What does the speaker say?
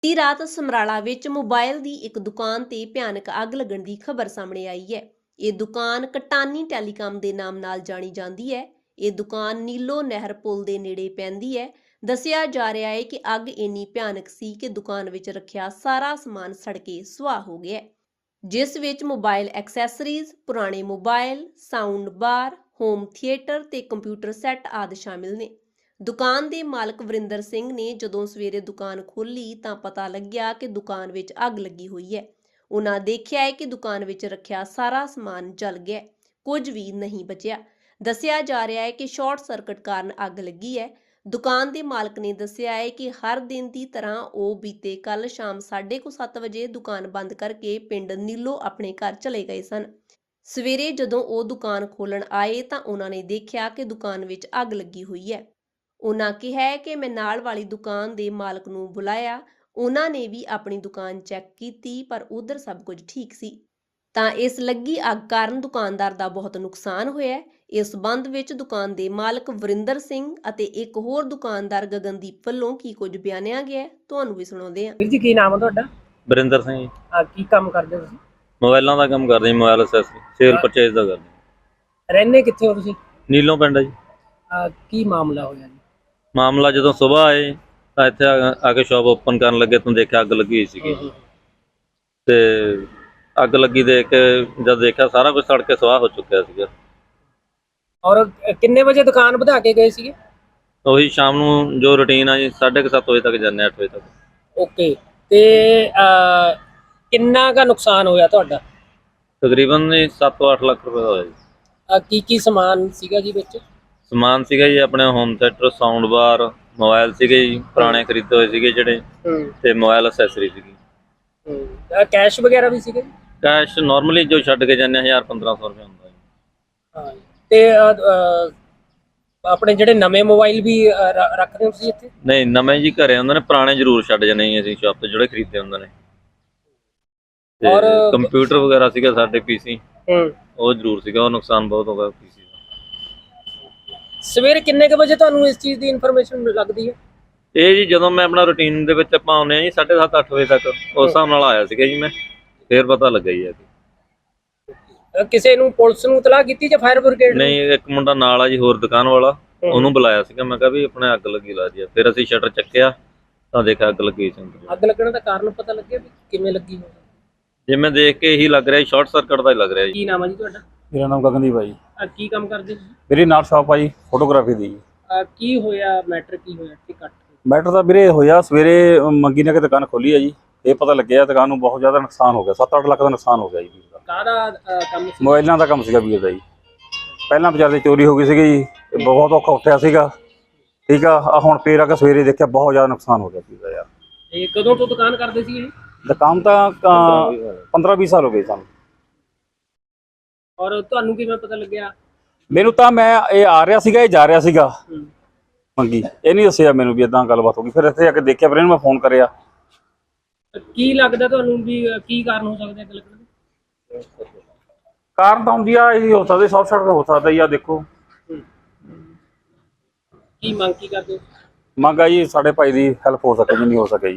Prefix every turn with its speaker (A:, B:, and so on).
A: ਬੀਤੀ ਰਾਤ ਸਮਰਾਲਾ ਵਿੱਚ ਮੋਬਾਈਲ ਦੀ ਇੱਕ ਦੁਕਾਨ ਤੇ ਭਿਆਨਕ ਅੱਗ ਲੱਗਣ ਦੀ ਖਬਰ ਸਾਹਮਣੇ ਆਈ ਹੈ। ਇਹ ਦੁਕਾਨ ਕਟਾਨੀ ਟੈਲੀਕਾਮ ਦੇ ਨਾਮ ਨਾਲ ਜਾਣੀ ਜਾਂਦੀ ਹੈ। ਇਹ ਦੁਕਾਨ ਨੀਲੋ ਨਹਿਰ ਪੁਲ ਦੇ ਨੇੜੇ ਪੈਂਦੀ ਹੈ। ਦੱਸਿਆ ਜਾ ਰਿਹਾ ਹੈ ਕਿ ਅੱਗ ਇੰਨੀ ਭਿਆਨਕ ਸੀ ਕਿ ਦੁਕਾਨ ਵਿੱਚ ਰੱਖਿਆ ਸਾਰਾ ਸਮਾਨ ਸੜ ਕੇ ਸੁਆਹ ਹੋ ਗਿਆ, ਜਿਸ ਵਿੱਚ ਮੋਬਾਈਲ ਐਕਸੈਸਰੀਜ਼, ਪੁਰਾਣੇ mobile, sound bar, home theatre ਤੇ ਕੰਪਿਊਟਰ ਸੈੱਟ ਆਦਿ ਸ਼ਾਮਿਲ ਨੇ। ਦੁਕਾਨ ਦੇ ਮਾਲਕ ਵਰਿੰਦਰ ਸਿੰਘ ਨੇ ਜਦੋਂ ਸਵੇਰੇ ਦੁਕਾਨ ਖੋਲ੍ਹੀ ਤਾਂ ਪਤਾ ਲੱਗਿਆ ਕਿ ਦੁਕਾਨ ਵਿੱਚ ਅੱਗ ਲੱਗੀ ਹੋਈ ਹੈ। ਉਹਨਾਂ ਦੇਖਿਆ ਹੈ ਕਿ ਦੁਕਾਨ ਵਿੱਚ ਰੱਖਿਆ ਸਾਰਾ ਸਮਾਨ ਜਲ ਗਿਆ, ਕੁਝ ਵੀ ਨਹੀਂ ਬਚਿਆ। ਦੱਸਿਆ ਜਾ ਰਿਹਾ ਹੈ ਕਿ ਸ਼ਾਰਟ ਸਰਕਟ ਕਾਰਨ ਅੱਗ ਲੱਗੀ ਹੈ। ਦੁਕਾਨ ਦੇ ਮਾਲਕ ਨੇ ਦੱਸਿਆ ਹੈ ਕਿ ਹਰ ਦਿਨ ਦੀ ਤਰ੍ਹਾਂ ਉਹ ਬੀਤੇ ਕੱਲ ਸ਼ਾਮ 7:30 ਵਜੇ ਦੁਕਾਨ ਬੰਦ ਕਰਕੇ ਪਿੰਡ ਨੀਲੋ ਆਪਣੇ ਘਰ ਚਲੇ ਗਏ ਸਨ। ਸਵੇਰੇ ਜਦੋਂ ਉਹ ਦੁਕਾਨ ਖੋਲ੍ਹਣ ਆਏ ਤਾਂ ਉਹਨਾਂ ਨੇ ਦੇਖਿਆ ਕਿ ਦੁਕਾਨ ਵਿੱਚ ਅੱਗ ਲੱਗੀ ਹੋਈ ਹੈ। ਉਹਨਾਂ ਕਿਹਾ ਹੈ ਕਿ ਮੈਂ ਨਾਲ ਵਾਲੀ ਦੁਕਾਨ ਦੇ ਮਾਲਕ ਨੂੰ ਬੁਲਾਇਆ। ਉਹਨਾਂ ਨੇ ਵੀ ਆਪਣੀ ਦੁਕਾਨ ਚੈੱਕ ਕੀਤੀ ਪਰ ਉਧਰ ਸਭ ਕੁਝ ਠੀਕ ਸੀ। ਤਾਂ ਇਸ ਲੱਗੀ ਅੱਗ ਕਾਰਨ ਦੁਕਾਨਦਾਰ ਦਾ ਬਹੁਤ ਨੁਕਸਾਨ ਹੋਇਆ ਹੈ। ਇਸ ਸੰਬੰਧ ਵਿੱਚ ਦੁਕਾਨ ਦੇ ਮਾਲਕ ਵਰਿੰਦਰ ਸਿੰਘ ਅਤੇ ਇੱਕ ਹੋਰ ਦੁਕਾਨਦਾਰ ਗਗਨਦੀਪ ਵੱਲੋਂ ਕੀ ਕੁਝ ਬਿਆਨਿਆ ਗਿਆ, ਤੁਹਾਨੂੰ ਵੀ ਸੁਣਾਉਂਦੇ ਹਾਂ।
B: ਵੀਰ ਜੀ, ਕੀ ਨਾਮ ਹੈ ਤੁਹਾਡਾ?
C: ਵਰਿੰਦਰ ਸਿੰਘ ਜੀ।
B: ਕੀ ਕੰਮ ਕਰਦੇ ਹੋ ਤੁਸੀਂ?
C: ਮੋਬਾਈਲਾਂ ਦਾ ਕੰਮ ਕਰਦੇ ਜੀ, ਮੋਬਾਈਲ ਐਕਸੈਸਰੀ ਸੇਲ ਪਰਚੇਜ਼ ਦਾ ਕਰਦੇ।
B: ਰਹਿੰਦੇ ਕਿੱਥੇ ਹੋ ਤੁਸੀਂ?
C: ਨੀਲੋਂ ਪਿੰਡ ਹੈ ਜੀ।
B: ਕੀ ਮਾਮਲਾ ਹੋਇਆ ਜੀ?
C: ਮਾਮਲਾ ਜਦੋਂ ਸਵੇਰ ਆਏ ਤਾਂ ਇੱਥੇ ਆ ਕੇ ਸ਼ਾਪ ਓਪਨ ਕਰਨ ਲੱਗੇ ਤਾਂ ਦੇਖਿਆ ਅੱਗ ਲੱਗੀ ਹੋਈ ਸੀਗੀ। ਤੇ ਅੱਗ ਲੱਗੀ ਦੇਖ ਕੇ ਜਦ ਦੇਖਿਆ ਸਾਰਾ ਕੁਝ ਸੜ ਕੇ ਸੁਆਹ ਹੋ ਚੁੱਕਿਆ ਸੀਗਾ।
B: ਔਰ ਕਿੰਨੇ ਵਜੇ ਦੁਕਾਨ ਵਧਾ ਕੇ ਗਏ ਸੀਗੇ?
C: ਉਹੀ ਸ਼ਾਮ ਨੂੰ ਜੋ ਰੁਟੀਨ ਆ ਜੀ 7:30 ਵਜੇ ਤੱਕ ਜਾਂਦੇ, 8 ਵਜੇ ਤੱਕ।
B: ਓਕੇ, ਤੇ ਕਿੰਨਾ ਕੁ ਨੁਕਸਾਨ ਹੋਇਆ ਤੁਹਾਡਾ?
C: ਤਕਰੀਬਨ 7 ਤੋਂ 8 ਲੱਖ ਰੁਪਏ ਦਾ ਹੋਇਆ ਜੀ।
B: ਕੀ ਸਮਾਨ ਸੀਗਾ ਜੀ ਵਿੱਚ?
C: ਸਮਾਨ ਸੀਗਾ ਜੀ ਆਪਣੇ home theatre, sound bar, mobile ਸੀਗੇ ਜੀ ਪੁਰਾਣੇ ਖਰੀਦੇ ਹੋਏ ਸੀਗੇ ਜਿਹੜੇ, ਤੇ ਮੋਬਾਈਲ ਐਕਸੈਸਰੀ ਸੀਗੀ।
B: ਕੈਸ਼ ਵਗੈਰਾ ਵੀ ਸੀਗੇ?
C: ਕੈਸ਼ ਨਾਰਮਲੀ ਜੋ ਛੱਡ ਕੇ ਜਾਂਦੇ 1000-1500 ਰੁਪਏ ਹੁੰਦਾ ਜੀ।
B: ਤੇ ਆਪਣੇ ਜਿਹੜੇ ਨਵੇਂ ਮੋਬਾਈਲ ਵੀ ਰੱਖਦੇ ਹੋ ਤੁਸੀਂ ਇੱਥੇ?
C: ਨਹੀਂ, ਨਵੇਂ ਜੀ ਘਰੇ ਹੁੰਦੇ ਨੇ, ਪੁਰਾਣੇ ਜ਼ਰੂਰ ਛੱਡ ਜਾਂਦੇ ਜੀ ਅਸੀਂ ਸ਼ਾਪ ਤੋਂ ਜਿਹੜੇ ਖਰੀਦੇ ਹੁੰਦੇ ਨੇ।
B: ਔਰ
C: ਕੰਪਿਊਟਰ ਵਗੈਰਾ ਸੀਗਾ ਸਾਡੇ, ਪੀਸੀ ਉਹ ਜ਼ਰੂਰ ਸੀਗਾ, ਉਹ ਨੁਕਸਾਨ ਬਹੁਤ ਹੋ ਗਿਆ ਪੀਸੀ ਦਾ।
B: ਸਵੇਰੇ ਕਿੰਨੇ ਕੁ ਵਜੇ ਤੁਹਾਨੂੰ ਇਸ ਚੀਜ਼ ਦੀ ਇਨਫੋਰਮੇਸ਼ਨ ਲੱਗਦੀ ਹੈ?
C: ਇਹ ਜੀ ਜਦੋਂ ਮੈਂ ਆਪਣਾ ਰੂਟੀਨ ਦੇ ਵਿੱਚ ਆਪਾਂ ਆਉਂਦੇ ਆ ਜੀ 7:30-8 ਵਜੇ ਤੱਕ, ਉਸ ਹਿਸਾਬ ਨਾਲ ਆਇਆ ਸੀਗਾ ਜੀ ਮੈਂ, ਫਿਰ ਪਤਾ ਲੱਗਾ ਜੀ।
B: ਕਿਸੇ ਨੂੰ, ਪੁਲਿਸ ਨੂੰ ਇਤਲਾਹ ਕੀਤੀ ਜਾਂ ਫਾਇਰ ਬ੍ਰਿਗੇਡ?
C: ਨਹੀਂ, ਇੱਕ ਮੁੰਡਾ ਨਾਲ ਆ ਜੀ ਹੋਰ ਦੁਕਾਨ ਵਾਲਾ, ਉਹਨੂੰ ਬੁਲਾਇਆ ਸੀਗਾ। ਮੈਂ ਕਿਹਾ ਵੀ ਆਪਣੇ ਅੱਗ ਲੱਗੀ ਲਾ ਜੀ। ਫਿਰ ਅਸੀਂ ਸ਼ਟਰ ਚੱਕਿਆ ਤਾਂ ਦੇਖਿਆ ਅੱਗ ਲੱਗੀ ਸੀ।
B: ਅੱਗ ਲੱਗਣ ਦਾ ਕਾਰਨ ਪਤਾ ਲੱਗਿਆ ਵੀ ਕਿਵੇਂ ਲੱਗੀ ਹੋਵੇ?
C: ਜਿਵੇਂ ਦੇਖ ਕੇ ਇਹੀ ਲੱਗ ਰਿਹਾ ਸ਼ਾਰਟ ਸਰਕਟ ਦਾ ਹੀ ਲੱਗ ਰਿਹਾ ਜੀ।
B: ਕੀ ਨਾਮ ਹੈ ਜੀ ਤੁਹਾਡਾ?
D: ਮੇਰਾ ਨਾਮ ਗਗਨਦੀਪ ਹੈ ਜੀ।
B: ਕੀ ਕੰਮ ਕਰਦੇ ਤੁਸੀਂ?
D: ਮੇਰੀ ਨਾਲ ਸ਼ਾਪ ਆ ਜੀ ਫੋਟੋਗ੍ਰਾਫੀ ਦੀ ਜੀ।
B: ਕੀ ਹੋਇਆ, ਮੈਟਰ ਕੀ ਹੋਇਆ ਕਿ ਕੱਟ?
D: ਮੈਟਰ ਤਾਂ ਵੀਰੇ ਹੋਇਆ ਸਵੇਰੇ ਮੰਗੀ ਨੇ ਕਿ ਦੁਕਾਨ ਖੋਲੀ ਹੈ ਜੀ। ਇਹ ਪਤਾ ਲੱਗਿਆ ਦੁਕਾਨ ਨੂੰ ਬਹੁਤ ਜ਼ਿਆਦਾ ਨੁਕਸਾਨ ਹੋ ਗਿਆ, 7-8 ਲੱਖ ਦਾ ਨੁਕਸਾਨ ਹੋ ਗਿਆ ਜੀ ਵੀਰ ਦਾ।
B: ਕਾਹਦਾ ਕੰਮ ਸੀ?
D: ਮੋਬਾਈਲਾਂ ਦਾ ਕੰਮ ਸੀਗਾ ਵੀਰ ਦਾ ਜੀ। ਪਹਿਲਾਂ ਬਾਜ਼ਾਰ ਦੀ ਚੋਰੀ ਹੋ ਗਈ ਸੀਗੀ ਜੀ, ਬਹੁਤ ਔਖਾ ਉੱਠਿਆ ਸੀਗਾ। ਠੀਕ ਆ, ਹੁਣ ਫੇਰ ਆ ਕੇ ਸਵੇਰੇ ਦੇਖਿਆ ਬਹੁਤ ਜ਼ਿਆਦਾ ਨੁਕਸਾਨ ਹੋ ਗਿਆ ਵੀਰ ਦਾ ਯਾਰ।
B: ਇਹ ਕਦੋਂ ਤੋਂ ਦੁਕਾਨ ਕਰਦੇ ਸੀ ਇਹ?
D: ਦੁਕਾਨ ਤਾਂ 15-20 ਸਾਲ ਹੋ ਗਏ ਸਾਨੂੰ।
B: ਔਰ ਤੁਹਾਨੂੰ ਕਿਵੇਂ ਪਤਾ ਲੱਗਿਆ?
D: ਮੈਨੂੰ ਤਾਂ ਇਹ ਆ ਰਿਹਾ ਸੀਗਾ, ਇਹ ਜਾ ਰਿਹਾ ਸੀਗਾ ਮੰਗੀ, ਇਹ ਨਹੀਂ ਦੱਸਿਆ ਮੈਨੂੰ ਵੀ ਇਦਾਂ ਗੱਲਬਾਤ ਹੋ ਗਈ। ਫਿਰ ਇੱਥੇ ਆ ਕੇ ਦੇਖਿਆ, ਫਿਰ ਇਹਨੂੰ ਮੈਂ ਫੋਨ ਕਰਿਆ।
B: ਕੀ ਲੱਗਦਾ ਤੁਹਾਨੂੰ ਵੀ ਕੀ ਕਾਰਨ ਹੋ ਸਕਦਾ ਅੱਗ ਲੱਗਣ ਦਾ?
D: ਕਾਰਨ ਤਾਂ ਹੁੰਦੀ ਆ ਇਹ ਹੋ ਸਕਦਾ, ਸ਼ਾਰਟ ਸਰਕਟ ਹੋ ਸਕਦਾ ਜੀ। ਆ ਦੇਖੋ,
B: ਕੀ ਮੰਗ ਕੀ ਕਰਦੇ ਹੋ?
D: ਮੰਗ ਆ ਜੀ ਸਾਡੇ ਭਾਈ ਦੀ ਹੈਲਪ ਹੋ ਸਕੇ ਜਿੰਨੀ ਹੋ ਸਕੇ ਜੀ।